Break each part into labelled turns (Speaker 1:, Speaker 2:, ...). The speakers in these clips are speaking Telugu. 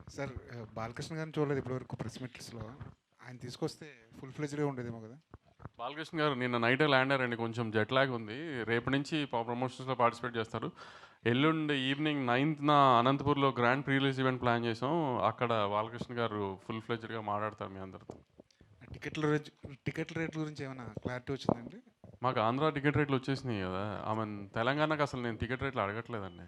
Speaker 1: సార్ బాలకృష్ణ గారిని చూడలేదు ఇప్పటివరకు ప్రెస్ మీట్స్లో. ఆయన తీసుకొస్తే ఫుల్ ఫ్లెజ్డ్గా ఉండేదేమో కదా.
Speaker 2: బాలకృష్ణ గారు నిన్న నైటే ల్యాండ్ అయ్యారండి. కొంచెం జెట్ లాగ్ ఉంది. రేపు నుంచి ప్రమోషన్స్లో పార్టిసిపేట్ చేస్తారు. ఎల్లుండి ఈవినింగ్ 9th అనంతపూర్లో grand pre release event plan చేసాం. అక్కడ బాలకృష్ణ గారు ఫుల్ ఫ్లెజ్డ్గా మాట్లాడతారు మీ అందరితో.
Speaker 1: టికెట్ల రేట్ల గురించి ఏమైనా క్లారిటీ వచ్చిందండి?
Speaker 2: మాకు ఆంధ్ర టికెట్ రేట్లు వచ్చేసినాయి కదా. తెలంగాణకు అసలు నేను టికెట్ రేట్లు అడగట్లేదండి.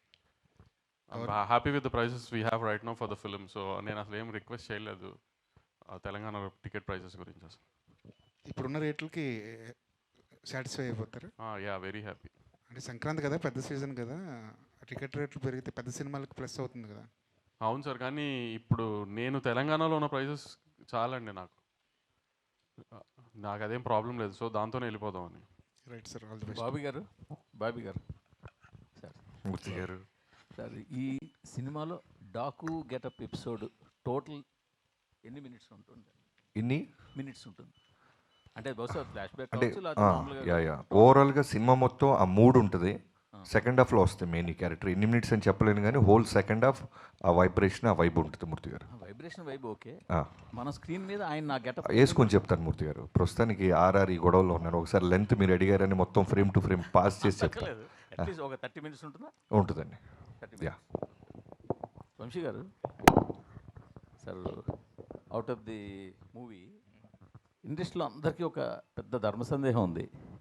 Speaker 2: Happy with the prices we have right now for the film. So నేను అసలు ఏం రిక్వెస్ట్ చేయలేదు తెలంగాణ టికెట్ ప్రైసెస్ గురించి. అసలు
Speaker 1: ఇప్పుడున్న రేట్లకి సాటిస్ఫై అయిపోతారు?
Speaker 2: Yeah, very happy.
Speaker 1: అంటే సంక్రాంతి కదా, పెద్ద సీజన్ కదా, టికెట్ రేట్లు పెరిగితే పెద్ద సినిమాలకు ప్లస్ అవుతుంది కదా.
Speaker 2: అవును సార్, కానీ ఇప్పుడు నేను తెలంగాణలో ఉన్న ప్రైసెస్ చాలండి నాకు. నాకు అదేం ప్రాబ్లం లేదు. సో దాంతోనే వెళ్ళిపోదామని.
Speaker 1: Right sir, all the best.
Speaker 3: Bobby గారు సార్,
Speaker 2: మూర్తి గారు
Speaker 3: సార్ ఈ సినిమాలో డాకు గెటప్ ఎపిసోడ్ టోటల్ ఎన్ని మినిట్స్ ఉంటుంది?
Speaker 4: ఇన్ని
Speaker 3: మినిట్స్ ఉంటుంది అంటే బహుశా ఫ్లాష్ బ్యాక్
Speaker 4: అంటే
Speaker 3: కావచ్చు.
Speaker 4: ఓవరాల్గా సినిమా మొత్తం ఆ మూడ్ ఉంటుంది. సెకండ్ హాఫ్లో వస్తుంది మెయిన్ ఈ క్యారెక్టర్. ఎన్ని మినిట్స్ అని చెప్పలేను కానీ హోల్ సెకండ్ హాఫ్ ఆ వైబ్రేషన్, ఆ వైబ్ ఉంటుంది మూర్తి గారు.
Speaker 3: Vibration vibe okay. మన స్క్రీన్ మీద ఆయన నా గెటప్
Speaker 4: వేసుకొని చెప్తాను మూర్తి గారు. ప్రస్తుతానికి ఆర్ఆర్ ఈ గొడవలో ఉన్నాను. ఒకసారి లెంత్ మీరు అడిగారని మొత్తం ఫ్రేమ్ టు ఫ్రేమ్ పాస్ చేసి చెప్తాను.
Speaker 3: అట్లీస్ట్ ఒక 30 minutes ఉంటుందా?
Speaker 4: ఉంటుందండి.
Speaker 3: 30 minutes. వంశీ గారు sir, out of the movie ఇండస్ట్రీలో అందరికీ ఒక పెద్ద ధర్మ సందేహం ఉంది.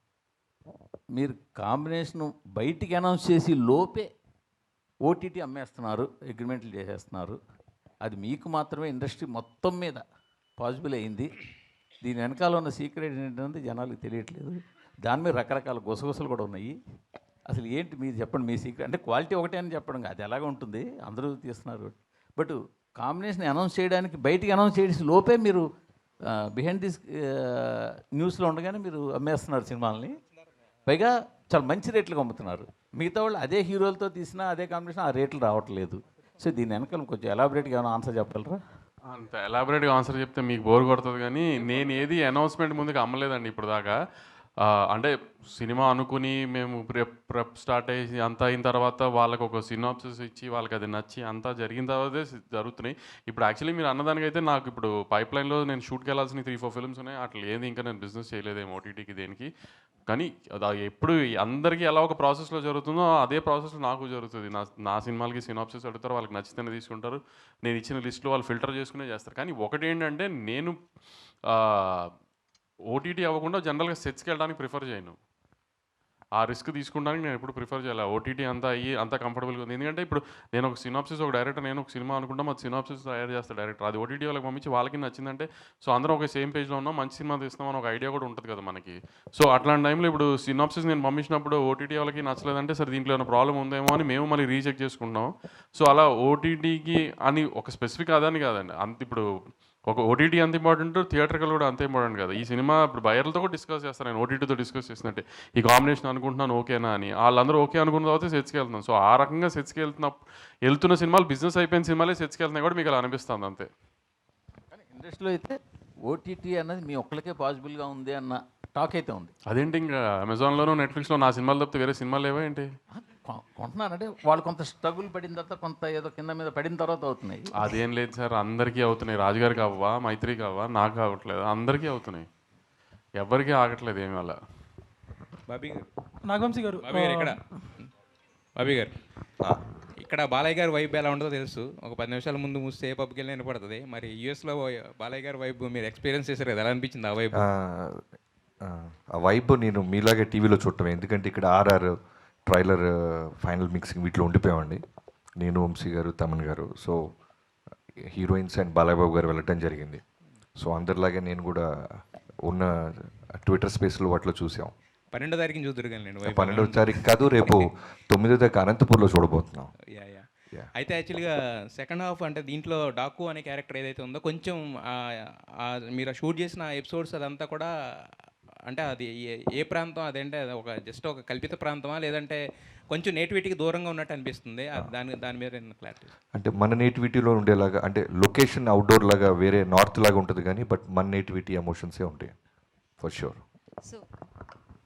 Speaker 3: మీరు కాంబినేషన్ బయటికి అనౌన్స్ చేసి లోపే ఓటీటీ అమ్మేస్తున్నారు, అగ్రిమెంట్లు చేసేస్తున్నారు. అది మీకు మాత్రమే ఇండస్ట్రీ మొత్తం మీద పాసిబుల్ అయింది. దీని వెనకాల ఉన్న సీక్రెట్ ఏంటంటే జనాలకు తెలియట్లేదు. దాని మీద రకరకాల గుసగుసలు కూడా ఉన్నాయి. అసలు ఏంటి మీరు చెప్పండి, మీ సీక్రెట్. అంటే క్వాలిటీ ఒకటే అని చెప్పడం అది ఎలాగ ఉంటుంది, అందరూ తీస్తున్నారు. బట్ కాంబినేషన్ అనౌన్స్ చేయడానికి బయటికి అనౌన్స్ చేసి లోపే మీరు బిహైండ్ దిస్ న్యూస్లో ఉండగానే మీరు అమ్మేస్తున్నారు సినిమాలని. పైగా చాలా మంచి రేట్లకు అమ్ముతున్నారు. మిగతా వాళ్ళు అదే హీరోలతో తీసినా అదే కాంబినేషన్ ఆ రేట్లు రావట్లేదు. సో దీని వెనకాల కొంచెం ఎలాబరేట్గా ఏమైనా ఆన్సర్ చెప్పగలరా?
Speaker 2: అంత ఎలాబరేట్గా ఆన్సర్ చెప్తే మీకు బోర్ కొడుతుంది, కానీ నేను ఏది అనౌన్స్మెంట్ ముందుకు అమ్మలేదండి ఇప్పుడు దాకా. అంటే సినిమా అనుకుని మేము ప్రెప్ స్టార్ట్ అయ్యి అంతా అయిన తర్వాత వాళ్ళకి ఒక సినాప్సిస్ ఇచ్చి వాళ్ళకి అది నచ్చి అంతా జరిగిన తర్వాతే జరుగుతున్నాయి. ఇప్పుడు యాక్చువల్లీ మీరు అన్నదానికైతే నాకు ఇప్పుడు పైప్ లైన్లో నేను షూట్కి వెళ్ళాల్సిన 3-4 ఫిల్మ్స్ ఉన్నాయి. అట్లా ఏది ఇంకా నేను బిజినెస్ చేయలేదేమో ఓటీటీకి దేనికి. కానీ అది ఎప్పుడు అందరికీ ఎలా ఒక ప్రాసెస్లో జరుగుతుందో అదే ప్రాసెస్లో నాకు జరుగుతుంది. నా సినిమాలకి సినాప్సిస్ అడుగుతారు, వాళ్ళకి నచ్చితేనే తీసుకుంటారు. నేను ఇచ్చిన లిస్ట్లో వాళ్ళు ఫిల్టర్ చేసుకునే చేస్తారు. కానీ ఒకటి ఏంటంటే నేను ఓటీటీ అవ్వకుండా జనరల్గా సెట్స్కి వెళ్ళడానికి ప్రిఫర్ చేయను. ఆ రిస్క్ తీసుకోవడానికి నేను ఎప్పుడు ప్రిఫర్ చేయాలి. ఓటీటీ అంతా అయ్యి అంతా కంఫర్టబుల్గా ఉంది. ఎందుకంటే ఇప్పుడు నేను ఒక సినాప్సిస్, ఒక డైరెక్టర్, నేను ఒక సినిమా అనుకుంటాం, అది సినాప్సిస్ తయారు చేస్తాను డైరెక్టర్. అది ఓటీటీ వాళ్ళకి పంపించి వాళ్ళకి నచ్చిందంటే సో అందరం ఒక సేమ్ పేజ్లో ఉన్నాం, మంచి సినిమా తీస్తామని ఒక ఐడియా కూడా ఉంటుంది కదా మనకి. సో అట్లాంటి టైంలో ఇప్పుడు సినాప్సిస్ నేను పంపించినప్పుడు ఓటీటీ వాళ్ళకి నచ్చలేదంటే సరే దీంట్లో ఏమైనా ప్రాబ్లం ఉందేమో అని మేము మళ్ళీ రీచెక్ చేసుకుంటాం. సో అలా ఓటీటీకి అని ఒక స్పెసిఫిక్ అదని కాదండి. అంత ఇప్పుడు ఒక ఓటీటీ అంత ఇంపార్టెంట్, థియేటర్కల్ కూడా అంత ఇంపార్టెంట్ కదా. ఈ సినిమా ఇప్పుడు బయర్లతో కూడా డిస్కస్ చేస్తాను నేను, ఓటీటీతో డిస్కస్ చేసినట్టే ఈ కాంబినేషన్ అనుకుంటున్నాను ఓకేనా అని. వాళ్ళందరూ ఓకే అనుకున్న తర్వాత సెట్స్కి వెళ్తున్నాను. సో ఆ రకంగా సెట్స్కి వెళ్తున్న సినిమాలు బిజినెస్ అయిపోయిన సినిమాలే సెట్స్కి వెళ్తున్నాయి కూడా మీకు అలా అనిపిస్తుంది అంతే.
Speaker 3: కానీ ఇండస్ట్రీలో అయితే ఓటీటీ అన్నది మీ ఒక్కరికే పాసిబుల్గా ఉంది అన్న టాక్ అయితే ఉంది.
Speaker 2: అదేంటి ఇంకా అమెజాన్లోనూ నెట్ఫ్లిక్స్లో నా సినిమాలు తప్పితే వేరే సినిమాలు లేవా ఏంటి?
Speaker 3: కొంటున్నారంటే వాళ్ళు కొంత స్ట్రగుల్ పడిన తర్వాత, కొంత ఏదో కింద మీద పడిన తర్వాత అవుతున్నాయి.
Speaker 2: అదేం లేదు సార్, అందరికీ అవుతున్నాయి. రాజుగారికి అవ్వా, మైత్రికి అవ్వా, నాకు అవ్వట్లేదు, అందరికీ అవుతున్నాయి. ఎవరికీ ఆగట్లేదు ఏమి అలా.
Speaker 5: బాబీ గారు,
Speaker 6: నాగవంశీ గారు,
Speaker 5: బాబీ గారు ఇక్కడ బాలయ్య గారి వైబ్ ఎలా ఉంటుందో తెలుసు. ఒక 10 నిమిషాల ముందు మూస్తే ఏ పబ్కి వెళ్ళి వినపడుతుంది. మరి యూఎస్లో బాలయ్య గారి వైబ్ మీరు ఎక్స్పీరియన్స్ చేశారు కదా, ఎలా అనిపించింది ఆ వైబ్?
Speaker 4: ఆ వైబ్ నేను మీలాగే టీవీలో చూడటమే. ఎందుకంటే ఇక్కడ ఆర్ఆర్ ట్రైలర్, ఫైనల్ మిక్సింగ్ వీటిలో ఉండిపోయామండి. నేను, వంశీ గారు, తమన్ గారు. సో హీరోయిన్స్ అండ్ బాలయ్యబాబు గారు వెళ్ళటం జరిగింది. సో అందరిలాగే నేను కూడా ఉన్న ట్విట్టర్ స్పేస్లో వాటిలో చూసాం.
Speaker 5: 12వ తారీఖుని చూద్దరు కానీ నేను
Speaker 4: 12వ తారీఖు కాదు, రేపు 9వ తారీఖు అనంతపూర్లో చూడబోతున్నాం.
Speaker 5: అయితే యాక్చువల్గా సెకండ్ హాఫ్ అంటే దీంట్లో డాకు అనే క్యారెక్టర్ ఏదైతే ఉందో కొంచెం మీరు షూట్ చేసిన ఎపిసోడ్స్ అదంతా కూడా అంటే అది ఏ ప్రాంతం అదేంటే ఒక జస్ట్ ఒక కల్పిత ప్రాంతమా లేదంటే కొంచెం నేటివిటీకి దూరంగా ఉన్నట్టు అనిపిస్తుంది? దాని మీద క్లారిటీ.
Speaker 4: అంటే మన నేటివిటీలో ఉండేలాగా, అంటే లొకేషన్ అవుట్డోర్ లాగా వేరే నార్త్ లాగా ఉంటుంది కానీ బట్ మన నేటివిటీ ఎమోషన్సే ఉంటాయి ఫర్ షూర్.
Speaker 7: సో